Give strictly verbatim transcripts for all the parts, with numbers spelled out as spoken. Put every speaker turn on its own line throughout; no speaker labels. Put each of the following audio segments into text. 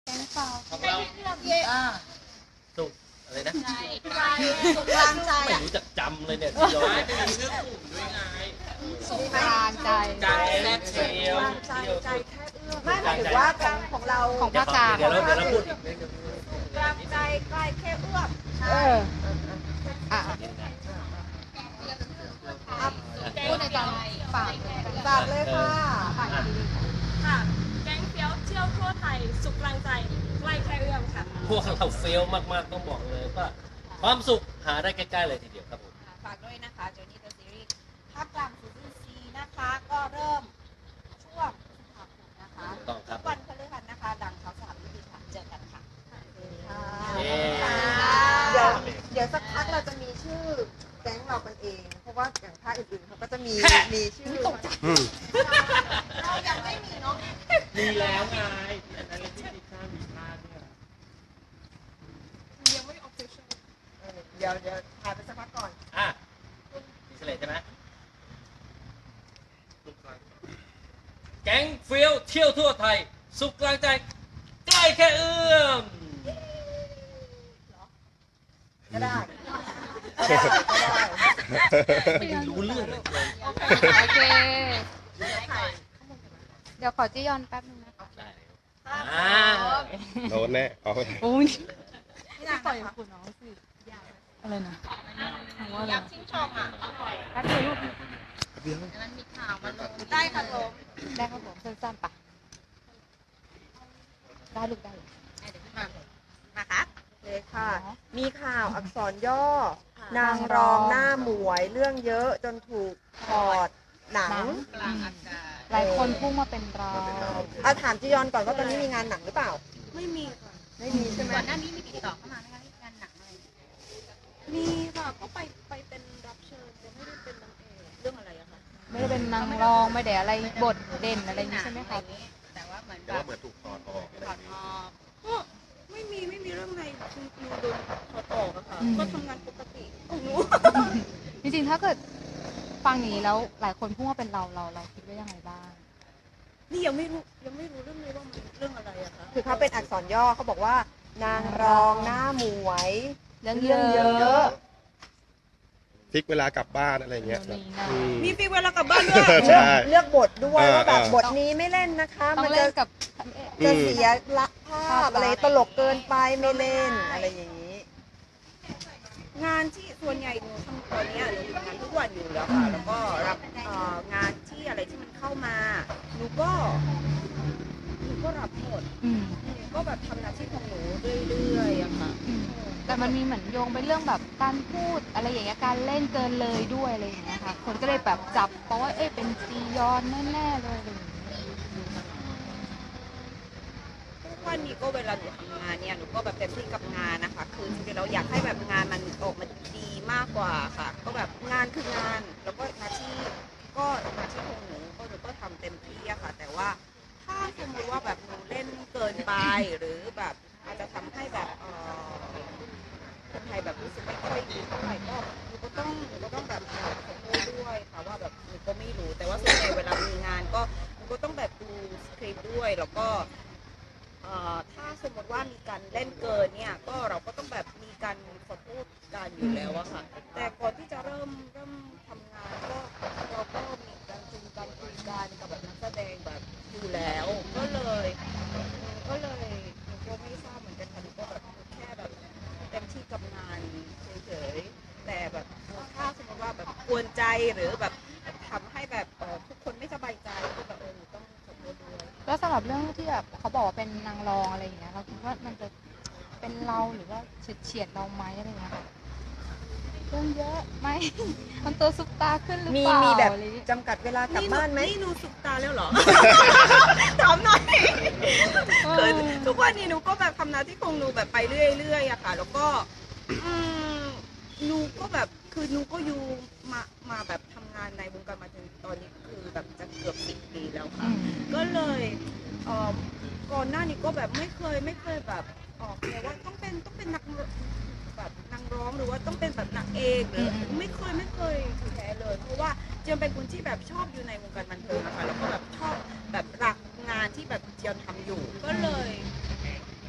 แกงเปล่า
ของเรา
อ่า
สุกอะไรนะ
ใจสุกกลางใจ
ไม่
อ่ะ
รู้จักจำเลยเนี่ยย้อนไม่มีชื่อกลุ่มด้วยไง
สุกกลางใจ
ใจแรกเชียว
ใจใจแค่เอื้อมไม่หมายถึงว่าของของเรา
ของภาคกลาง
เดี๋ยวเราเดี๋ยวเราพูดอีกนิดนึง
กลางใจใกล้แค่เอื้อม
เอออ่ะพูดในตอนฝาก
ฝากเลยค่ะ
ฝากดี
ค่ะแก๊งเฟี้ยวเที่ยวทั่วไทยสุขกลางใจใกล้แค่เอื้อมค่ะ
พวกเราเฟลมากๆต้องบอกเลยว่าความสุขหาได้ใกล้ๆเลยทีเดียวครับผม
ฝากด้วยนะคะโจนี่เดอะซีรีส์ภาคกลางซีรีส์ซีนะคะก็เริ่มช่วงพฤษภาคมนะคะ
ถูกต้องครับ
วันพฤหัสนะคะดังเขาสามวิธีค่ะเจอกันค่ะ
เย้
เดี๋ยวเดี๋ยวสักพักเราจะมีชื่อแก๊งเรากันเอง เพราะว่าอย่างภาคอื่นๆเขาก็จะมีมีชื่อตกใจเรายังไม่มีเนาะ
มีแล้วไงอันนั้นเลยที่ที่ข้ามมีพลาดเนี่ย
ยังไม่ออฟฟิเชียล
เออเดี๋ยวเดี๋ยวถ่ายไปสักพักก่อน
อ่ะมีเฉลยใช่ไหมแก๊งเฟี้ยวเที่ยวทั่วไทย สุขกลางใจใกล้แค่เอื้อม
ก็ได้
ไม่รู้เรื่องเลย
โอเค เดี๋ยวขอจียอนแป๊บนึงนะ
ได้เลยอ่า
โดนแน่เอาไป
โอ้ย
ไม่ได้
ปล่อย
นะคะ
คุณน้องสิอะไรนะถามว่าอะไร
อยากชิมชองอ่ะ
แป๊บเดียวลูก
ได้ค่ะผม
ได้ครับผมสั้นๆปะได้ลูกได้
นะคะเลยค่ะ มีข่าวอักษรย่อ นางรองหน้าหมวยเรื่องเยอะจนถูกถอดหนัง
หลายคนพุ่งมาเป็นเรา
เอาถามจียอนก่อนว่าตอนนี้มีงานหนังหรือเปล่า
ไม่มีค่ะ
ไม่มีใช่ไหม
ก่อนหน้านี้มีติดต่อเข้ามาไหมคะงานหนังอะไร
มีค่ะก็ไปไปเป็นรับเชิญแต่ไม่ได้เป็นนางเอกเรื่องอะไรอะคะ
ไม่ได้เป็นนางรองไม่ได้อะไรบทเด่นอะไรอย่างนี้ใช่ไหมคะ
แต่ว่าเหมือน
แต่
แบ
ว่า
บ
เหมือนถูกถอดออกอะไร
ถอดออก
ก็ไม่มีไม่มีเรื่องในคุณครูโดนถอดออกอะค่ะก็ทำงานปกติของหนู
จริงๆถ้าเกิดฟังอย่างนี้แล้วหลายคนพุ่งมาเป็นเราเราเราคิดว่ายังไงบ้าง
นี่ยังไม่รู้ยังไม่รู้เรื่องเลยว่ามันเรื่องอะไรอะคะ
คือเขาเป็นอักษรย่อเขาบอกว่า นางรองหน้าหมวย
เรื่อง
เรื่อง
เย
เย
อะ
อะ
พลิกเวลากลับบ้านอะไรเงี้ย
เรื่องนี้นะ
อืม
มีฟีเวลากลับบ้านด้วย
ใช่
เลือกบทด้วย
เออ
ว่าแบบ
เออ
บทนี้ไม่เล่นนะคะ
ต้อ
มัน
ง
จะ
เล่นกับ
จะเสียละภาพอะไรตลกเกินไปไม่เล่นอะไรอย่างนี้
งานที่ส่วนใหญ่หนูทำตอนเนี้ยหนูทำงานทุกวันอยู่แล้วค่ะ แล้วก็รับเอ่องานที่อะไรที่มันเข้ามา หนูก็หนูก็รับหมด
อืม
หนูก็แบบทำหน้าที่ของหนูเรื่อยๆอะค่ะ
อืมแต่มันมีเหมือนโยงไปเรื่องแบบการพูดอะไรอย่างเงี้ยการเล่นเกินเลยด้วยอะไรอย่างเงี้ยค่ะ คนก็เลยแบบจับเพราะว่าเอ้ยเป็นจียอนแน่ๆเลยอะไรอย่างเงี้ย
ทุกวันนี้ก็เวลาหนูทำงานเนี่ยหนูก็แบบเต็มที่กับงานนะคะ คือจริงๆเราอยากให้แบบงานมันออกมาดีมากกว่าค่ะ ก็แบบงานคืองาน แล้วก็หน้าที่ก็หน้าที่ของหนูก็หนูก็ทำเต็มที่อะค่ะ แต่ว่าถ้าสมมติว่าแบบหนูเล่นเกินไปหรือแบบอาจจะทำให้แบบเอ่อคนไทยแบบรู้สึกไม่ค่อยดีเท่าไหร่ก็หนูก็ต้องหนูก็ต้องแบบขอโทษด้วยค่ะว่าแบบหนูก็ไม่รู้ แต่ว่าส่วนใหญ่เวลามีงานก็หนูก็ต้องแบบดูสคริปต์ด้วยแล้วก็ เอ่อถ้าสมมติว่ามีการเล่นเกินเนี่ยก็เราก็ต้องแบบมีการขอโทษกันอยู่แล้วอะค่ะ แต่ก่อนที่จะเริ่มเริ่มทำงานก็เราก็มีการจูงการคุยกันกับแบบนักแสดงแบบอยู่แล้ว ก็เลยก็เลยหนูก็ไม่ทราบเหมือนกันค่ะหนูก็แบบแค่แบบเต็มที่กับงานเฉยๆแต่แบบถ้าสมมติว่าแบบกวนใจหรือแบบทำให้แบบเอ่อทุกคนไม่สบายใจก็แบบเออหนูต้องขอโทษด้วย
แล้วสำหรับเรื่องที่แบบเขาบอกว่าเป็นนางรองอะไรอย่างเงี้ยเราคิดว่ามันจะเป็นเราหรือว่าเฉียดเฉียดๆเราไหมอะไรอย่างเงี้ยค่ะเรื่องเยอะไหม มันตัวซุปตาขึ้นหรือ
มี
เปล่า
มีแบบ
อะไรอย่างเงี้ย
จำกัดเวลากลับบ้านไหม
นี่หนูสุกตาแล้วเหรอ ถามหน่อยคือทุกวันนี้หนูก็แบบทำหน้าที่ของหนูแบบไปเรื่อยๆอะค่ะ แล้วก็อืมหนูก็แบบคือหนูก็อยู่มามาแบบทำงานในวงการมาถึงตอนนี้คือแบบจะเกือบสิบปีแล้ว
อื
ค่ะ
ม
ก็เลยเอ่อก่อนหน้านี้ก็แบบไม่เคยไม่เคยแบบออกแต่ว่าต้องเป็นต้องเป็นนักแบบนางร้องหรือว่าต้องเป็นแบบนางเอกหรือไม่เคยไม่เคยถือแท้เลย เพราะว่าเจียมเป็นคนที่แบบชอบอยู่ในวงการบันเทิงนะคะแล้วก็แบบชอบแบบรักงานที่แบบเจียมทำอยู่ ก็เลย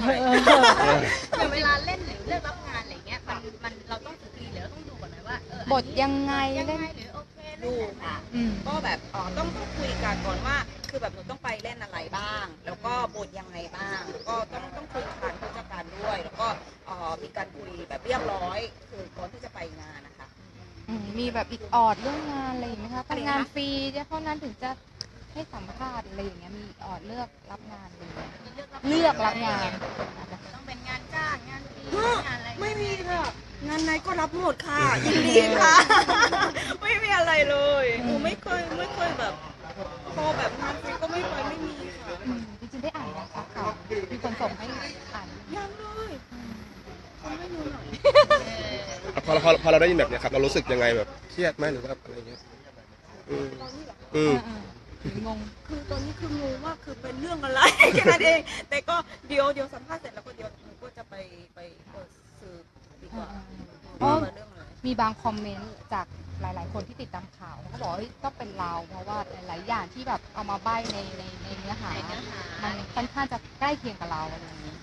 ให้
อย่างเวลาเล่นหรือเลือกรับงานอะไรเงี้ยมันมันเราต้องสกรีนหรือเราต้องดูก่อนไหมว่าเออบ
ทยังไง
ยัง
เล่น
ไงหรือโอเคเล่
ดู
น
ค่ะ
อืม
ก็แบบอ๋อต้องต้องคุยกันก่อนว่า คือแบบหนูต้องไปเล่นอะไรบ้าง แล้วก็บทยังไงบ้างแล้วก็ต้องต้องคุยกับทางผู้จัดการด้วย แล้วก็เอ่อมีการคุยแบบเรียบร้อย คือก่อนที่จะไปงานนะคะ
อืมมีแบบอีกออดเรื่องงานอะไรอย่างไหมคะทำงานฟรีจะเท่านั้นถึงจะให้สัมภาษณ์อะไรอย่างเงี้ยมีออดเลือกรับงานอะไรอย่างเงี้ย
เลือกรับ
เลือกรับงาน
ต้องเป็นงานจ้างงานฟรีงานอะไร
ไม่มีค่ะ งานไหนก็รับหมดค่ะยินดีค่ะ ไม่มีอะไรเลยหนูไม่เคยไม่เคยแบบพอแบบงานฟรีก็ไม่ไปไม่มีค่ะ
อืมจริงๆได้อ่านนะคะข่าวมีคนส่งให้อ่าน
ยังเลยทำให้หนูหน่อย
พอพอพอเราได้ยินแบบเนี้ยครับเรารู้สึกยังไงแบบเครียดไหมหรือว่าอะไรเงี้ยอืมอืม
เออเอองง
คือตอนนี้คืองงว่าคือเป็นเรื่องอะไร แค่นั้นเอง แต่ก็เดี๋ยวเดี๋ยวสัมภาษณ์เสร็จแล้วก็เดี๋ยวหนูก็จะไปไปเปิดสื่อดีกว่า
อ๋อ
ว่าเรื่องอะไร
มีบางคอมเมนต์จากหลาย ๆ คนที่ติดตามข่าวเขาก็บอกว่าเฮ้ยก็เป็นเราเพราะว่าหลาย ๆ อย่างที่แบบเอามาใบ้ในในในเนื้อหา
ในเนื้อหา
มันค่อนข้างจะใกล้เคียงกับเราอะไรอย่างนี้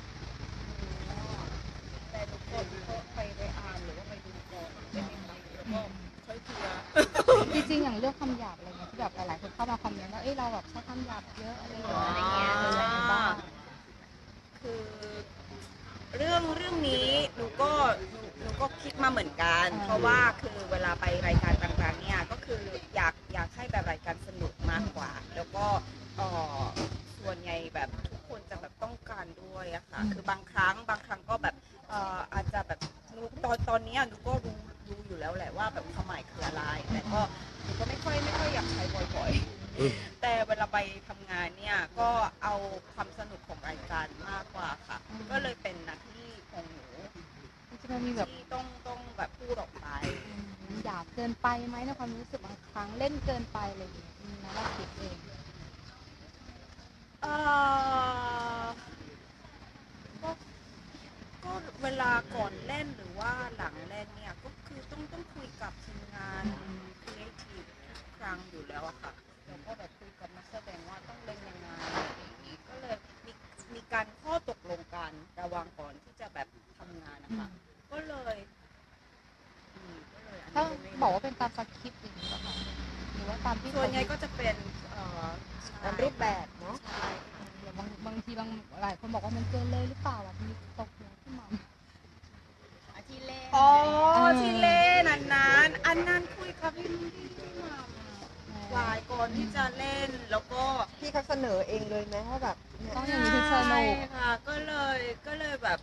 แต่ทุกคนก็ไปไปอ่านหรือว่าไปดูก่อนใช่ไหมคะแล้วก็ค่อยเคลียร์
จริง ๆ อย่างเรื่องคำหยาบอะไรเงี้ยที่แบบหลาย ๆ คนเข้ามาคอมเมนต์ว่าเอ้ยเราแบบใช้คำหยาบเยอะอะไรอย่างเงี้ยอะไรอย่างเงี้ยบ้าง
คือเรื่องเรื่องนี้หนูก็หนูหนูก็คิดมาเหมือนกัน เพราะว่าคือเวลาไปรายการต่างๆเนี่ยก็คืออยากอยากให้แบบรายการสนุกมากกว่า แล้วก็เอ่อส่วนใหญ่แบบทุกคนจะแบบต้องการด้วยอะค่ะ
อืม
คือบางครั้งบางครั้งก็แบบเอ่ออาจจะแบบหนูตอนตอนเนี้ยหนูก็รู้รู้อยู่แล้วแหละว่าแบบความหมายคืออะไร แต่ก็หนูก็ไม่ค่อยไม่ค่อยอยากใช้บ่อยๆ แต่เวลาไปทำงานเนี่ยก็เอาความสนุกของรายการมากกว่าค่ะ ก็เลยเป็นหน้าที่ของหนู
จริงๆมันมีแบบ
ที่ต้องต้องแบบพูดออกไป
อืมหยาบเกินไปไหมในความรู้สึกบางครั้งเล่นเกินไปอะไรอย่างเงี้ยอืมนะเราคิดเอง
เอ่อก็ก็เวลาก่อนเล่นหรือว่าหลังเล่นเนี่ยก็คือต้องต้องคุยกับทีมงานครีเอทีฟทุกครั้งอยู่แล้วอะค่ะแล้วก็แบบคุยกับนักแสดงว่าต้องเล่นยังไงอะไรอย่างนี้ก็เลยมีมีการข้อตกลงกันระหว่างก่อนที่จะแบบทำงานนะคะก็เลยอืมก็เลยอัน
ถ้า
นี้ไม่
บอกว่าเป็นตามสคริปต์อย่างนี้ป่ะคะหรือว่าตามที่
ส่วนใหญ่ก็จะเป็นเอ่อใช่
ตามรูปแบบเนาะ
ใช่
บางบางทีบางหลายคนบอกว่ามันเกินเลยหรือเปล่าแบบมีตกหัวขึ้นมา
อาที่เล่น
อ๋อ
เออ
ที่เล่นอันนั้นอันนั้นคุยกับพี่พี่พี่หมัมวายก่อนที่จะเล่นแล้วก็
พี่เขาเสนอเองเลยไหมว่าแบบเนี่ย
ต้องอย่างนี้ถึงสนุ
ใช่
ก
ค่ะ ก็เลยก็เลยแบบ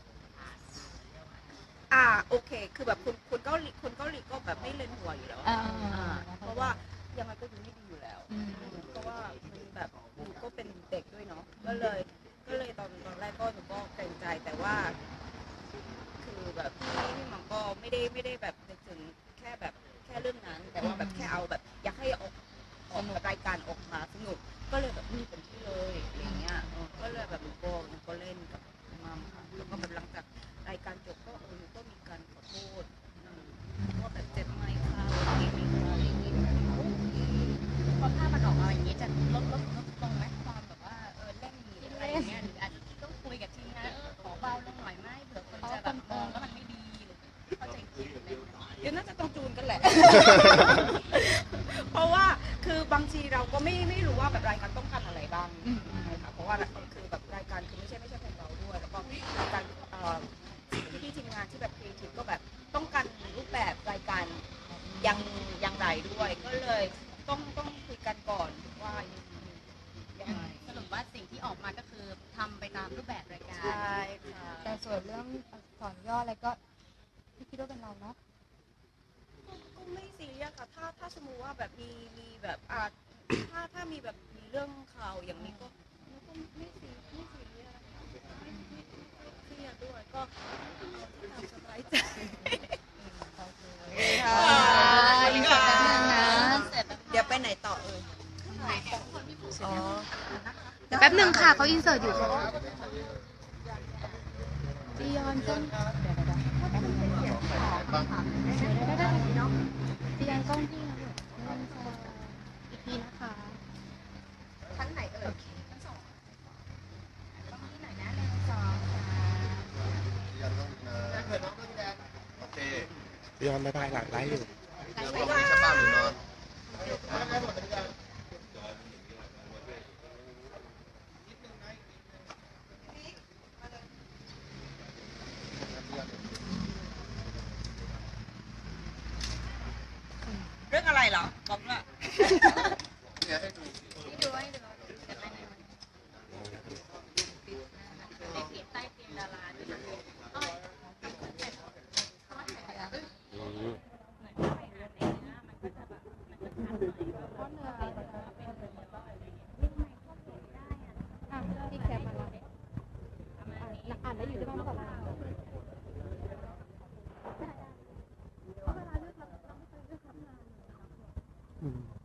อ่าโอเค คือแบบคุณคุณเกาหลีคุณเกาหลีก็แบบไม่เล่นหัวอยู่แล้วอะ
อ่า
อ่าเพราะว่ายังไงก็ดูไม่ดีอยู่แล้ว
อืม
เพราะว่ามันแบบหนูก็เป็นเด็กด้วยเนาะก็เลยก็เลยตอนตอนแรกก็หนูก็เกรงใจแต่ว่า คือแบบพี่พี่หมังก็ไม่ได้ไม่ได้แบบนึกถึงแค่แบบแค่เรื่องนั้น แต่ว่าแบบแค่เอาแบบ อยากให้ออกออกรายการออกมาสนุกก็เลยแบบมีเป็นที่เลยอย่างเงี้ยเออก็เลยแบบหนูก็หนูก็เล่นกับมัมค่ะแล้วก็แบบหลังจากรายการจบก็เออหนูก็มีการขอโทษอืมว่าแบบเจ็บไหมคะอะไรอย่างเงี้ยอะไรอย่างเงี้ย
พอภาพมันออกมาอย่างนี้จะลดลดลดลงไหมความแบบว่าเออเล่นหรืออะไรอย่างเงี้ยหรืออาจจะต้องคุยกับทีมงานเออขอเบาลงหน่อยไหมเผื่อคนจะแบบมองแล้วมันไม่ดีหรือเข้าใจผิดอะไรอย่างเงี้ย
เดี๋ยวน่าจะต้องจูนกันแหละ เพราะว่าคือบางทีเราก็ไม่ไม่รู้ว่าแบบรายการต้องการอะไรบ้าง
อืม
นะคะเพราะว่าคือแบบรายการคือไม่ใช่ไม่ใช่ของเราด้วย แล้วก็รายการเอ่อที่ทีมงานที่แบบครีเอทีฟก็แบบต้องการรูปแบบรายการยังยังไรด้วย ก็เลยต้องต้องคุยกันก่อนว่ายังไง
สรุปว่าสิ่งที่ออกมาก็คือทำไปตามรูปแบบรายการ
ใช่ค่ะ
แต่ส่วนเรื่องอักษรย่ออะไรก็พี่คิดว่าเป็นเราเนาะ
ก็ไม่ซีเรียสค่ะ ถ้าถ้าสมมติว่าแบบมีมีแบบอ่าถ้าถ้ามีแบบมีเรื่องข่าวอย่างนี้ก็ก็ไม่ซีไม่ซีเรียสนะคะไม่ไม่ไม่เครียดด้วยก็เอาที่ทำสบายใจ
ค่ะอินเสิร์ตแป๊บนึงนะ
เดี๋ยวไปไหนต่อเอ่ยอ๋อ
เดี๋ยวแป๊บนึงค่ะเขาอินเสิร์ตอยู่จียอนจ้องเดี๋ยวเดี๋ยวเดี๋ยวแป๊บนึงเดี๋ยวได้ได้ได้เนาะจียอนกล้องพี่นะเดี๋ยวหนึ่งสองอีกทีนะคะ
ชั้นไหนเอ่ย
ต้องที่ไหนนะหนึ่งสองสาม
ยอมบายบายหลังไลฟ์อยู่
เรื่องอะไรเหรอบอกว่า
ให้ดูให้ดูจะไปไหนในเพจใต้เตียงดาราเนี่ยเอ้ยทำเสร็จเขามาถ่ายแล้ว
อืม
เหมือนไปอ่านในเนื้อมันก็จะแบบมันจะชัดหน่อยเพราะเนื้อเป็นเป็นเนื้ออะไรอย่างเงี้ยนี่ทำไมเข้าเพจได้อ่ะ
อ่ะพี่แคปมาแล้ว
ประมาณนี้
อ่านได้อยู่ที่บ้านก่อนนะ
อืม